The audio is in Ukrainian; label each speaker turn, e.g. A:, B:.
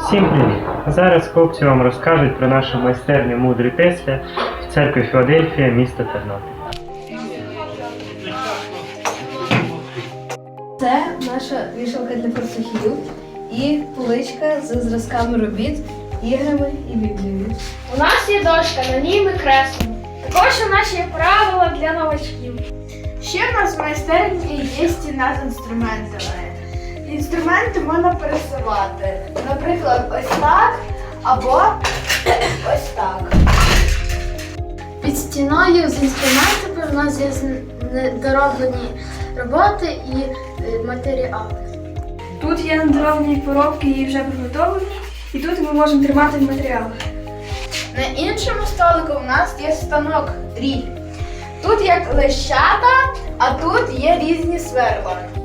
A: Всім привіт! Зараз хлопці вам розкажуть про нашу майстерню мудрий Тесля в церкві Філадельфія, місто Тернопіль.
B: Це наша вішалка для фартухів і поличка з зразками робіт, іграми і біблією.
C: У нас є дошка, на ній ми креслимо. Також у нас є правила для новачків. Ще в нас в майстерні є стіна з інструментами. Інструменти можна пересувати. Наприклад, ось так або ось так.
D: Під стіною з інструментами в нас є недороблені роботи і матеріали.
C: Тут є недороблені коробки і вже приготовлені, і тут ми можемо тримати матеріали. На іншому столику у нас є станок дріль. Тут як лещата, а тут є різні сверла.